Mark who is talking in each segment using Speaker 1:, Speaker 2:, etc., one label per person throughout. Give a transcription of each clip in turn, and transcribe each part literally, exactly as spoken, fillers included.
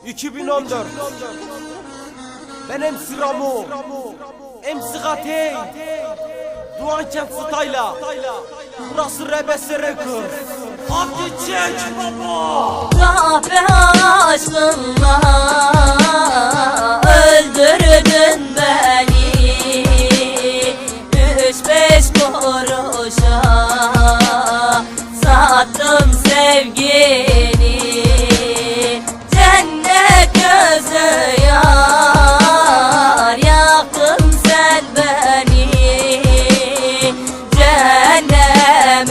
Speaker 1: iki bin on dört. Ben M C Ramo, M C Gatey, Doğan Kent Style'a. Burası Rebese Records. Hadi çek baba.
Speaker 2: Kahpe aşkınla öldürdün beni, üç beş kuruşa sattım sevgini. Cennet gözü yar, yaktın sen beni, cehennem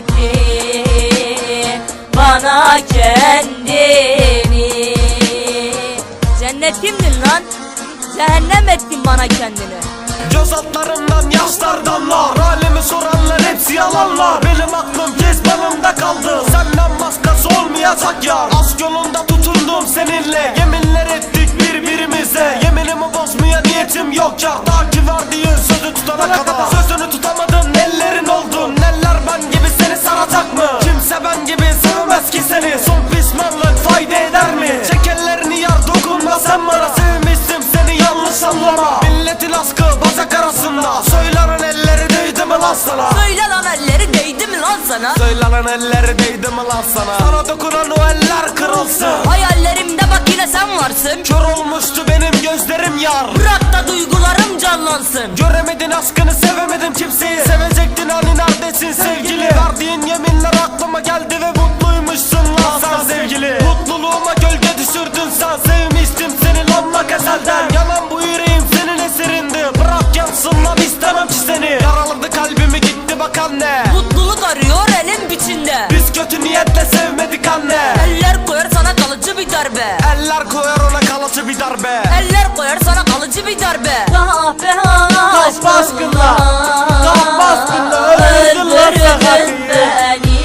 Speaker 2: ettin bana kendini. Cennet kimdin lan? Cehennem ettin bana kendini.
Speaker 1: Göz altlarımdan yaşlar damlar, halimi soranlar hepsi yalanlar. Benim aklım kezbanımda kaldı, senden başkası olmayacak yar. Aşk yolunda tutundum seninle, yeminler ettik birbirimize. Yeminimi bozmaya niyetim yok ya, ta ki verdiğin sözü tutana kadar. Sözünü tutamadın, ellerin oldun. Neler ben gibi seni saracak mı? Kimse ben gibi sevmez ki seni. Son pişmanlık fayda eder mi? Çek ellerini yar, dokunma sen bana. Sevmiştim seni, yanlış anlama. Milletin aşkı bacak arasında, söylenen elleri değdi mi lan sana?
Speaker 2: Söyle lan, elleri değdi mi lan sana?
Speaker 1: Söylenen elleri değdi mi lan sana? Sana dokunan o eller kırılsın.
Speaker 2: Hayallerimde bak yine sen varsın.
Speaker 1: Kör olmuştu benim gözlerim yar,
Speaker 2: Bırak da duygularım canlansın.
Speaker 1: göremedin aşkını, sevemedim kimseyi. Sevecektin hani, neredesin sevgili? Verdiğin yeminler aklıma geldi ve mutluymuşsun lan sen sevgili. Mutluluğuma gölge düşürdün sen, sevmiştim seni lan ezelden. Yanan bu yüreğim senin eserindi, bırak yansın lan, istemem ki seni. Yaraladı kalbimi gitti bak anne,
Speaker 2: Mutluluk arıyor elin biçinde.
Speaker 1: biz kötü niyetle sevmedik anne.
Speaker 2: Eller koyar sana kalıcı bir darbe.
Speaker 1: Eller koyar ona kalıcı bir darbe.
Speaker 2: Eller koyar sana kalıcı bir darbe. Kahpe
Speaker 1: Kahpe aşkınla, kahpe aşkınla öldürdün lan
Speaker 2: öldürdün beni,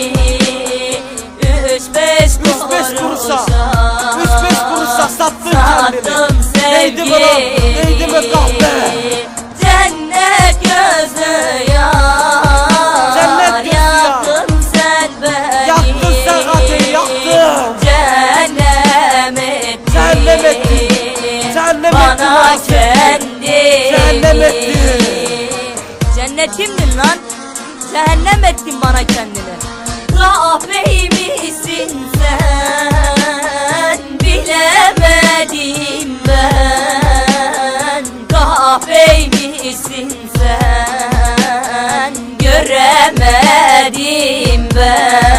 Speaker 2: üç beş
Speaker 1: Üç beş kuruşa, üç beş kuruşa sattın kendini.
Speaker 2: sattım
Speaker 1: Neydi mi lan? Neydi mi kahpe?
Speaker 2: Cennet gözü yar,
Speaker 1: Cennet gözü yar.
Speaker 2: yaktın sen beni,
Speaker 1: Yaktın sen Gatey, yaktın.
Speaker 2: Cehennem ettin,
Speaker 1: Cehennem ettin, cehennem ettin
Speaker 2: bana
Speaker 1: lan sen.
Speaker 2: kendini.
Speaker 1: Cehennem ettin.
Speaker 2: Cennetimdin lan, cehennem ettin bana kendini. Kahpe misin sen, bilemedim ben. Kahpe misin sen, göremedim ben.